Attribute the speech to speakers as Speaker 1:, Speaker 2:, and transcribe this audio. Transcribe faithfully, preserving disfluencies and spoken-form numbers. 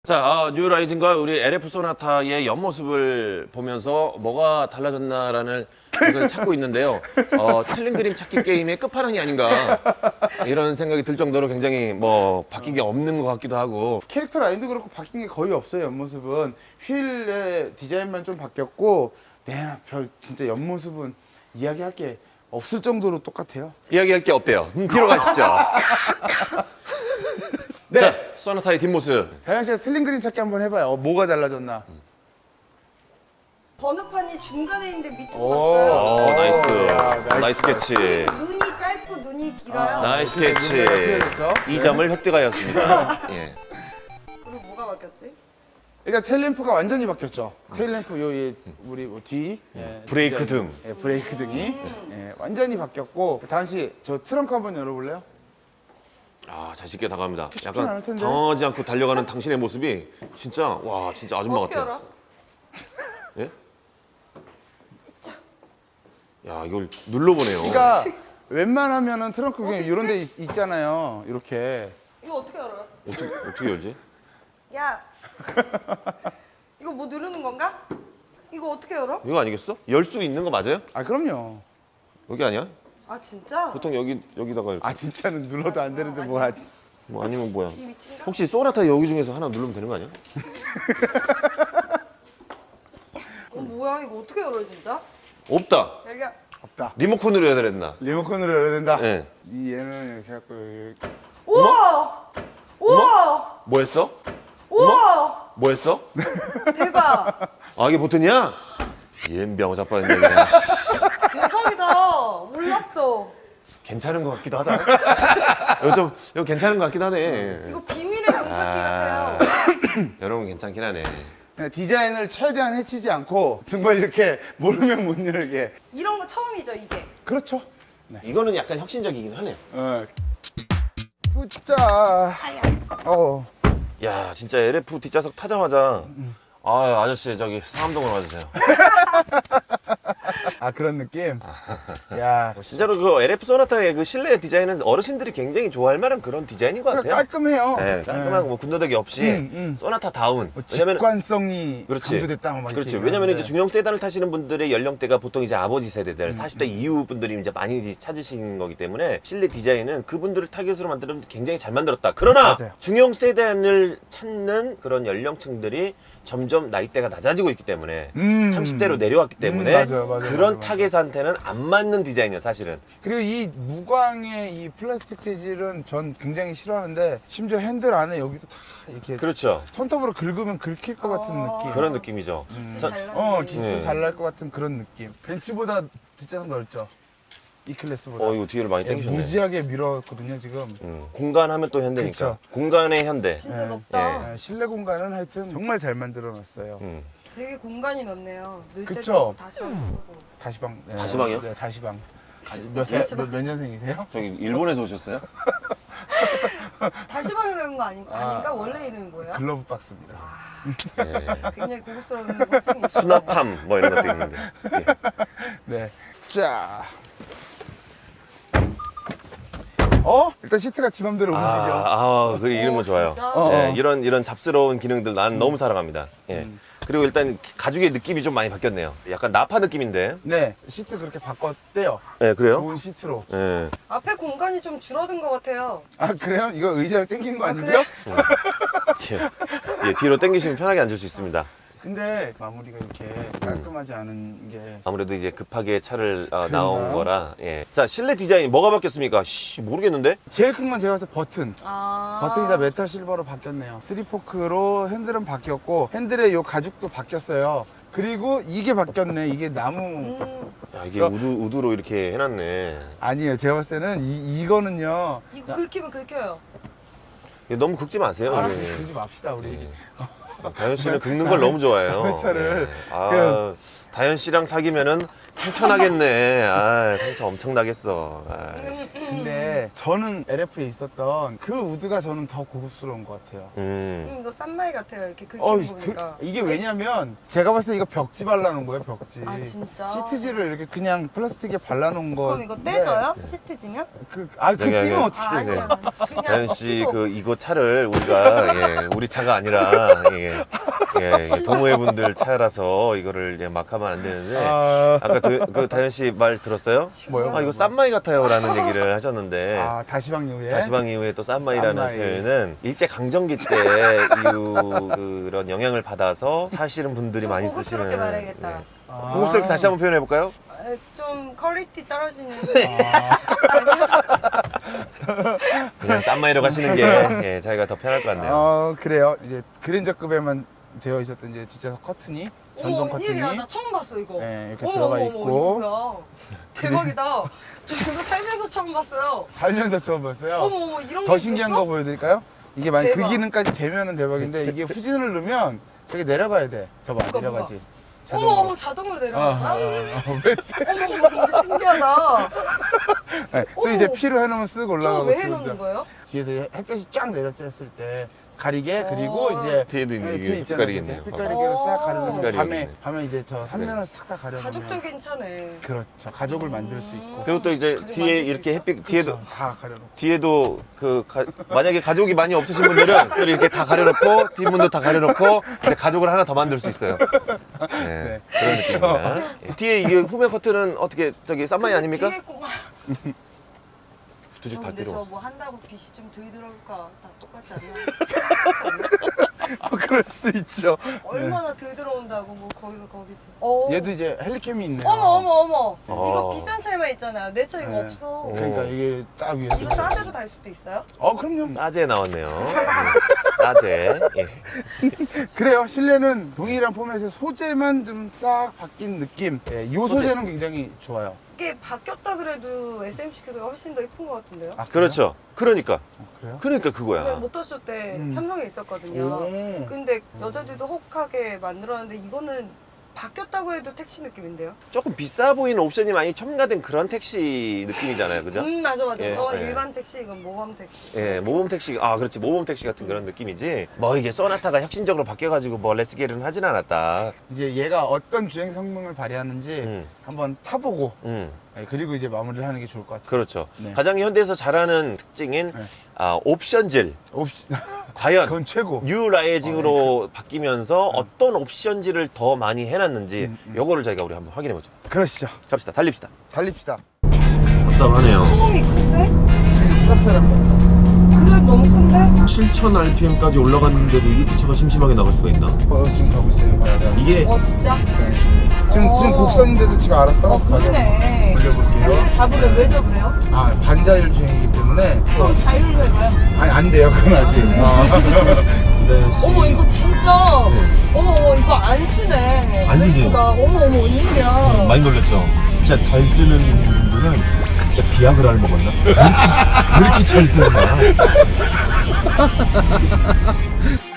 Speaker 1: 자, 아, 뉴라이징과 우리 엘에프 소나타의 옆모습을 보면서 뭐가 달라졌나라는 것을 찾고 있는데요. 어, 틀린 그림 찾기 게임의 끝판왕이 아닌가 이런 생각이 들 정도로 굉장히 뭐 바뀐 게 없는 것 같기도 하고.
Speaker 2: 캐릭터 라인도 그렇고 바뀐 게 거의 없어요. 옆모습은 휠의 디자인만 좀 바뀌었고, 네, 별 진짜 옆모습은 이야기할 게 없을 정도로 똑같아요.
Speaker 1: 이야기할 게 없대요. 음, 뒤로 가시죠.
Speaker 2: 네.
Speaker 1: 자, 소나타의 뒷모습.
Speaker 2: 다현 씨가 틀린 그림 찾기 한번 해봐요. 어, 뭐가 달라졌나?
Speaker 3: 번호판이 중간에 있는데 밑으로
Speaker 2: 오.
Speaker 3: 갔어요.
Speaker 1: 어, 나이스.
Speaker 2: 야, 나이스.
Speaker 1: 나이스 캐치.
Speaker 3: 눈이 짧고 눈이 길어요.
Speaker 1: 나이스
Speaker 2: 눈매가
Speaker 1: 캐치.
Speaker 2: 필요했죠?
Speaker 1: 이 점을 획득하였습니다. 예.
Speaker 3: 그리고 뭐가 바뀌었지?
Speaker 2: 일단 테일램프가 완전히 바뀌었죠. 테일램프 요, 이, 우리 뭐 뒤. 예,
Speaker 1: 브레이크
Speaker 2: 디자인.
Speaker 1: 등.
Speaker 2: 예, 브레이크 등이 예, 완전히 바뀌었고. 다현 씨, 저 트렁크 한번 열어볼래요?
Speaker 1: 아, 자신있게 다가갑니다.
Speaker 2: 쉽진 않을
Speaker 1: 약간
Speaker 2: 텐데.
Speaker 1: 당황하지 않고 달려가는 당신의 모습이 진짜 와, 진짜 아줌마
Speaker 3: 어떻게
Speaker 1: 같아요.
Speaker 3: 알아?
Speaker 1: 예? 야, 이걸 눌러보네요.
Speaker 2: 그러니까 웬만하면은 트렁크 그냥
Speaker 3: 어디
Speaker 2: 이런 데 있- 있잖아요. 이렇게.
Speaker 3: 이거 어떻게 알아요?
Speaker 1: 어떻게, 어떻게 열지?
Speaker 3: 야, 이거 뭐 누르는 건가? 이거 어떻게 열어?
Speaker 1: 이거 아니겠어? 열 수 있는 거 맞아요?
Speaker 2: 아, 그럼요.
Speaker 1: 여기 아니야?
Speaker 3: 아 진짜?
Speaker 1: 보통 여기, 여기다가 이렇게.
Speaker 2: 아, 진짜는 눌러도 안 되는데 뭐 하지?
Speaker 1: 뭐 아니면 뭐야?
Speaker 3: 이 밑인가?
Speaker 1: 혹시 소나타 여기 중에서 하나 누르면 되는 거 아니야?
Speaker 3: 어 뭐야 이거 어떻게 열어요 진짜?
Speaker 1: 없다.
Speaker 3: 열려.
Speaker 2: 없다.
Speaker 1: 리모컨으로 해야 되나?
Speaker 2: 리모컨으로 열어야 된다.
Speaker 1: 예.
Speaker 2: 이 얘는 이렇게 해갖고 이렇게.
Speaker 3: 우와! 우와!
Speaker 1: 뭐 했어?
Speaker 3: 우와!
Speaker 1: 뭐 했어?
Speaker 3: 대박!
Speaker 1: 아, 이게 보트냐? 옌병 자빠졌네, 그냥. 씨.
Speaker 3: 대박이다. 몰랐어.
Speaker 1: 괜찮은 것 같기도 하다. 이거 좀, 이거 괜찮은 것 같기도 하네.
Speaker 3: 이거 비밀의 문찾기
Speaker 1: 아.
Speaker 3: 같아요.
Speaker 1: 여러분 괜찮긴 하네.
Speaker 2: 그냥 디자인을 최대한 해치지 않고 정말 이렇게 모르면 못 열게.
Speaker 3: 이런 거 처음이죠 이게.
Speaker 2: 그렇죠.
Speaker 1: 이거는 약간 혁신적이긴 하네.
Speaker 2: 어. 웃자. 어.
Speaker 1: 야, 진짜 엘에프 뒷좌석 타자마자 아, 아저씨 저기 상암동으로 와주세요.
Speaker 2: 아, 그런 느낌? 야.
Speaker 1: 진짜로 그 엘에프 소나타의 그 실내 디자인은 어르신들이 굉장히 좋아할 만한 그런 디자인인 것 같아요.
Speaker 2: 깔끔해요.
Speaker 1: 네, 깔끔하고 뭐 군더더기 없이
Speaker 2: 음, 음.
Speaker 1: 소나타 다운.
Speaker 2: 뭐
Speaker 1: 왜냐면
Speaker 2: 직관성이
Speaker 1: 그렇지.
Speaker 2: 강조됐다. 뭐 이렇게
Speaker 1: 그렇지. 왜냐면 이제
Speaker 2: 얘기하는데.
Speaker 1: 중형 세단을 타시는 분들의 연령대가 보통 이제 아버지 세대들,
Speaker 2: 음,
Speaker 1: 사십 대 이후 분들이 이제 많이 찾으시는 거기 때문에 실내 디자인은 그분들을 타겟으로 만들면 굉장히 잘 만들었다. 그러나
Speaker 2: 맞아요.
Speaker 1: 중형 세단을 찾는 그런 연령층들이 점점 나이대가 낮아지고 있기 때문에
Speaker 2: 음.
Speaker 1: 삼십 대로 내려왔기 때문에
Speaker 2: 음, 맞아요, 맞아요,
Speaker 1: 그런
Speaker 2: 맞아요,
Speaker 1: 타겟한테는 안 맞는 디자인이에요, 사실은.
Speaker 2: 그리고 이 무광의 이 플라스틱 재질은 전 굉장히 싫어하는데, 심지어 핸들 안에 여기도 다 이렇게
Speaker 1: 그렇죠.
Speaker 2: 손톱으로 긁으면 긁힐 것 같은
Speaker 3: 어.
Speaker 2: 느낌.
Speaker 1: 그런 느낌이죠. 저-
Speaker 3: 잘 나네.
Speaker 2: 어, 기스
Speaker 1: 네.
Speaker 2: 잘 날 것 같은 그런 느낌. 벤츠보다 뒷좌석 넓죠? 이 클래스보다.
Speaker 1: 어, 이거 뒤를 많이
Speaker 2: 예,
Speaker 1: 당기셨네.
Speaker 2: 무지하게 밀었거든요, 지금.
Speaker 1: 음, 공간하면 또 현대니까.
Speaker 2: 그쵸.
Speaker 1: 공간의 현대.
Speaker 3: 진짜
Speaker 2: 예.
Speaker 3: 넓다.
Speaker 2: 예, 실내 공간은 하여튼 정말 잘 만들어 놨어요.
Speaker 1: 음.
Speaker 3: 되게 공간이 넓네요. 늘 때도
Speaker 2: 그쵸?
Speaker 3: 없고 다시 오고.
Speaker 2: 다시방. 예,
Speaker 1: 다시방이요?
Speaker 2: 네, 다시방. 몇, 살, 몇, 몇 년생이세요?
Speaker 1: 저기 일본에서 오셨어요?
Speaker 3: 다시방이라는 거 아닌,
Speaker 2: 아.
Speaker 3: 아닌가? 원래 이름이 뭐예요?
Speaker 2: 글러브 박스입니다.
Speaker 1: 네.
Speaker 3: 굉장히 고급스러운 호칭이 있어요.
Speaker 1: 수납함 뭐 이런 것도 있는데. 예.
Speaker 2: 네. 자. 어? 일단 시트가 지 맘대로 움직여.
Speaker 1: 아, 아, 그 이름은
Speaker 3: 어,
Speaker 1: 좋아요.
Speaker 3: 진짜?
Speaker 2: 어.
Speaker 1: 예, 이런 이런 잡스러운 기능들 나는 너무 사랑합니다. 예.
Speaker 2: 음.
Speaker 1: 그리고 일단 가죽의 느낌이 좀 많이 바뀌었네요. 약간 나파 느낌인데.
Speaker 2: 네. 시트 그렇게 바꿨대요.
Speaker 1: 예, 그래요?
Speaker 2: 좋은 시트로.
Speaker 1: 예.
Speaker 3: 앞에 공간이 좀 줄어든 것 같아요.
Speaker 2: 아, 그래요? 이거 의자를 땡긴 거
Speaker 3: 아,
Speaker 2: 아닌데요?
Speaker 3: 그래?
Speaker 1: 예. 예, 뒤로 당기시면 편하게 앉을 수 있습니다.
Speaker 2: 근데 마무리가 이렇게 깔끔하지 않은 게.
Speaker 1: 아무래도 이제 급하게 차를 어, 나온
Speaker 2: 그런가요?
Speaker 1: 거라. 예. 자, 실내 디자인 뭐가 바뀌었습니까? 씨, 모르겠는데.
Speaker 2: 제일 큰 건 제가 봤을 때 버튼.
Speaker 3: 아.
Speaker 2: 버튼이 다 메탈 실버로 바뀌었네요. 쓰리포크로 핸들은 바뀌었고, 핸들의 요 가죽도 바뀌었어요. 그리고 이게 바뀌었네. 이게 나무.
Speaker 3: 음,
Speaker 1: 야, 이게
Speaker 2: 저-
Speaker 1: 우드 우드로 이렇게 해놨네.
Speaker 2: 아니에요. 제가 봤을 때는 이, 이거는요.
Speaker 3: 이거 긁히면 긁혀요.
Speaker 1: 이거 너무 긁지 마세요. 우리.
Speaker 2: 알았어. 그러지 맙시다, 우리.
Speaker 1: 예. 다현 씨는 긁는 걸 너무 좋아해요.
Speaker 2: 남의 차를
Speaker 1: 예. 아, 다현 씨랑 사귀면은 상처 나겠네. 아, 상처 엄청 나겠어. 아,
Speaker 2: 근데 저는 엘에프에 있었던 그 우드가 저는 더 고급스러운 것 같아요.
Speaker 1: 음.
Speaker 3: 음, 이거 싼마이 같아요. 이렇게 긁히는
Speaker 2: 어,
Speaker 3: 거
Speaker 2: 그,
Speaker 3: 보니까.
Speaker 2: 이게 왜냐면 제가 봤을 때 이거 벽지 발라놓은 거예요, 벽지.
Speaker 3: 아, 진짜?
Speaker 2: 시트지를 이렇게 그냥 플라스틱에 발라놓은 거.
Speaker 3: 그럼 이거 떼져요? 시트 지면?
Speaker 2: 그, 아, 그
Speaker 1: 여기,
Speaker 2: 띄면
Speaker 1: 여기.
Speaker 3: 아,
Speaker 2: 어떻게 돼?
Speaker 3: 아니요. 그냥
Speaker 1: 다현 씨
Speaker 3: 시도.
Speaker 1: 그 이거 차를 우리가 예, 우리 차가 아니라 예, 예, 이게 동호회 분들 차라서 이거를 예, 막 하면 안 되는데
Speaker 2: 아,
Speaker 1: 아까 그, 그 다현 씨 말 들었어요?
Speaker 2: 뭐요?
Speaker 1: 아 이거 싼마이 같아요라는 얘기를 하셨는데
Speaker 2: 아, 다시방 이후에.
Speaker 1: 다시방 이후에 또 싼마이라는
Speaker 2: 싼마이.
Speaker 1: 표현은 일제 강점기 때 이후 그런 영향을 받아서 사시는 분들이 많이 쓰시는.
Speaker 3: 고급스럽게 말해야겠다.
Speaker 1: 네.
Speaker 2: 아.
Speaker 1: 고급스럽게 다시 한번 표현해 볼까요?
Speaker 3: 아, 좀 퀄리티 떨어지는.
Speaker 2: 아,
Speaker 1: 그냥 싼마이로 가시는 게 예, 자기가 더 편할 것 같네요.
Speaker 2: 어, 그래요. 이제 그랜저급에만 되어 있었던 이제 진짜 커튼이, 전동
Speaker 3: 어머,
Speaker 2: 커튼이.
Speaker 3: 웬일이야. 나 처음 봤어, 이거.
Speaker 2: 네, 이렇게
Speaker 3: 어머,
Speaker 2: 들어가
Speaker 3: 어머,
Speaker 2: 있고.
Speaker 3: 어머, 이거 뭐야. 대박이다. 저 이거 살면서 처음 봤어요.
Speaker 2: 살면서 처음 봤어요.
Speaker 3: 어머, 어머, 이런
Speaker 2: 더
Speaker 3: 게
Speaker 2: 신기한
Speaker 3: 있었어?
Speaker 2: 거 보여드릴까요? 이게 만약 그
Speaker 3: 대박.
Speaker 2: 기능까지 되면은 대박인데 이게 후진을 누르면 저기 내려가야 돼. 저봐
Speaker 3: 뭐가,
Speaker 2: 내려가지.
Speaker 3: 어머, 어머, 자동으로
Speaker 2: 아,
Speaker 3: 내려가.
Speaker 2: 아,
Speaker 3: 아,
Speaker 2: 아, 아, 왜?
Speaker 3: 어머, 어머, 어머, 신기하다.
Speaker 2: 네, 또
Speaker 3: 어머.
Speaker 2: 이제 피로 해놓으면 쓱
Speaker 3: 저거
Speaker 2: 올라가고.
Speaker 3: 왜
Speaker 2: 지금
Speaker 3: 해놓는 거예요?
Speaker 2: 뒤에서 햇볕이 쫙 내려쬐었을 때 가리개 그리고
Speaker 3: 어.
Speaker 2: 이제
Speaker 1: 뒤에도 있는
Speaker 2: 네,
Speaker 1: 이게
Speaker 2: 뒤에 있잖아요.
Speaker 1: 햇빛 가리개네요.
Speaker 2: 햇빛 가리개로 싹
Speaker 3: 어.
Speaker 2: 가려면
Speaker 1: 햇빛
Speaker 2: 밤에
Speaker 1: 가리개네.
Speaker 2: 밤에 이제 저 삼면을 싹 다 가려면
Speaker 3: 가족도 괜찮네.
Speaker 2: 그렇죠. 가족을 만들 수 있고.
Speaker 1: 그리고 또 이제
Speaker 3: 가족
Speaker 1: 뒤에
Speaker 3: 만들 수
Speaker 1: 이렇게
Speaker 3: 있어?
Speaker 1: 햇빛 뒤에도
Speaker 2: 그렇죠. 다 가려놓고.
Speaker 1: 뒤에도 그 가- 만약에 가족이 많이 없으신 분들은 또 이렇게 다 가려놓고 뒷문도 다 가려놓고 이제 가족을 하나 더 만들 수 있어요. 네, 그런 느낌입니다. 예. 뒤에 이게 후면 커튼은 어떻게 저기 싼마이 아닙니까?
Speaker 3: 뒤에 꼬마.
Speaker 1: 굳이
Speaker 3: 저
Speaker 1: 발
Speaker 3: 근데
Speaker 1: 필요
Speaker 3: 저
Speaker 1: 없어.
Speaker 3: 뭐 한다고 빛이 좀 덜 들어올까? 다 똑같지 않나?
Speaker 2: 뭐 그럴 수 있죠.
Speaker 3: 얼마나 덜 들어온다고 뭐 거기서 거기. 어.
Speaker 2: 얘도 이제 헬리캠이 있네요.
Speaker 3: 어머 어머 어머.
Speaker 1: 어.
Speaker 3: 이거 비싼 차이만 있잖아요. 내 차 이거
Speaker 2: 네.
Speaker 3: 없어.
Speaker 2: 그러니까 이게 딱 위에서.
Speaker 3: 이거 싸제로 달 수도 있어요?
Speaker 2: 어, 그럼요.
Speaker 1: 싸제 나왔네요. 네. 싸제. 예.
Speaker 2: 그래요. 실내는 동일한 포맷의 소재만 좀 싹 바뀐 느낌. 예, 이
Speaker 1: 소재.
Speaker 2: 소재는 굉장히 좋아요.
Speaker 3: 이게 바뀌었다 그래도 에스엠씨께서가 훨씬 더 예쁜 것 같은데요?
Speaker 2: 아, 그래요?
Speaker 1: 그렇죠. 그러니까.
Speaker 2: 어, 그래요?
Speaker 1: 그러니까
Speaker 3: 오늘
Speaker 1: 그거야.
Speaker 3: 모터쇼 때
Speaker 2: 음.
Speaker 3: 삼성에 있었거든요.
Speaker 2: 오.
Speaker 3: 근데 여자들도 혹하게 만들었는데 이거는 바뀌었다고 해도 택시 느낌인데요?
Speaker 1: 조금 비싸 보이는 옵션이 많이 첨가된 그런 택시 느낌이잖아요. 그죠?
Speaker 3: 음 맞아 맞아.
Speaker 1: 예,
Speaker 3: 저건
Speaker 1: 예.
Speaker 3: 일반 택시 이건 모범 택시.
Speaker 1: 예, 모범 택시, 아, 그렇지. 모범 택시 같은 그런 느낌이지. 뭐 이게 소나타가 혁신적으로 바뀌어가지고 뭐 레스게리는 하진 않았다.
Speaker 2: 이제 얘가 어떤 주행 성능을 발휘하는지
Speaker 1: 음,
Speaker 2: 한번 타보고
Speaker 1: 음,
Speaker 2: 예, 그리고 이제 마무리를 하는 게 좋을 것 같아요.
Speaker 1: 그렇죠.
Speaker 2: 네.
Speaker 1: 가장 현대에서 잘하는 특징인
Speaker 2: 네.
Speaker 1: 아, 옵션질.
Speaker 2: 옵시...
Speaker 1: 과연
Speaker 2: 그건 최고.
Speaker 1: 뉴 라이징으로 바뀌면서 어떤 옵션질을 더 많이 해놨는지
Speaker 2: 음, 음.
Speaker 1: 요거를 저희가 우리 한번 확인해보죠.
Speaker 2: 그러시죠.
Speaker 1: 갑시다. 달립시다.
Speaker 2: 달립시다.
Speaker 1: 답답하네요.
Speaker 3: 소음이 큰데?
Speaker 2: 쌉싸름.
Speaker 3: 그래 너무 큰데?
Speaker 1: 칠천 알피엠까지 올라갔는데도 이렇게 차가 심심하게 나갈 수가 있나?
Speaker 2: 어, 지금 가고 있어요. 봐야 돼.
Speaker 1: 이게
Speaker 3: 어 진짜?
Speaker 2: 지금,
Speaker 3: 어.
Speaker 2: 지금 곡선인데도 지금 알아서
Speaker 3: 어
Speaker 2: 따라서 가죠.
Speaker 3: 그러네.
Speaker 2: 올려볼게요.
Speaker 3: 잡으래 왜 잡으래요?
Speaker 2: 아, 반자율 주행이기 때문에.
Speaker 3: 그럼 자율로 해봐요.
Speaker 2: 아니, 안 돼요. 그건 아직. 어.
Speaker 1: 네,
Speaker 3: 어머 이거 진짜 어머 어머 이거 안 쓰네.
Speaker 1: 안 쓰지?
Speaker 3: 브레이크가. 어머 어머 웬일이야.
Speaker 1: 많이 놀랬죠? 진짜 잘 쓰는 분들은 진짜 비아그라를 먹었나? 왜 이렇게, 왜 이렇게 잘 쓰는 거야?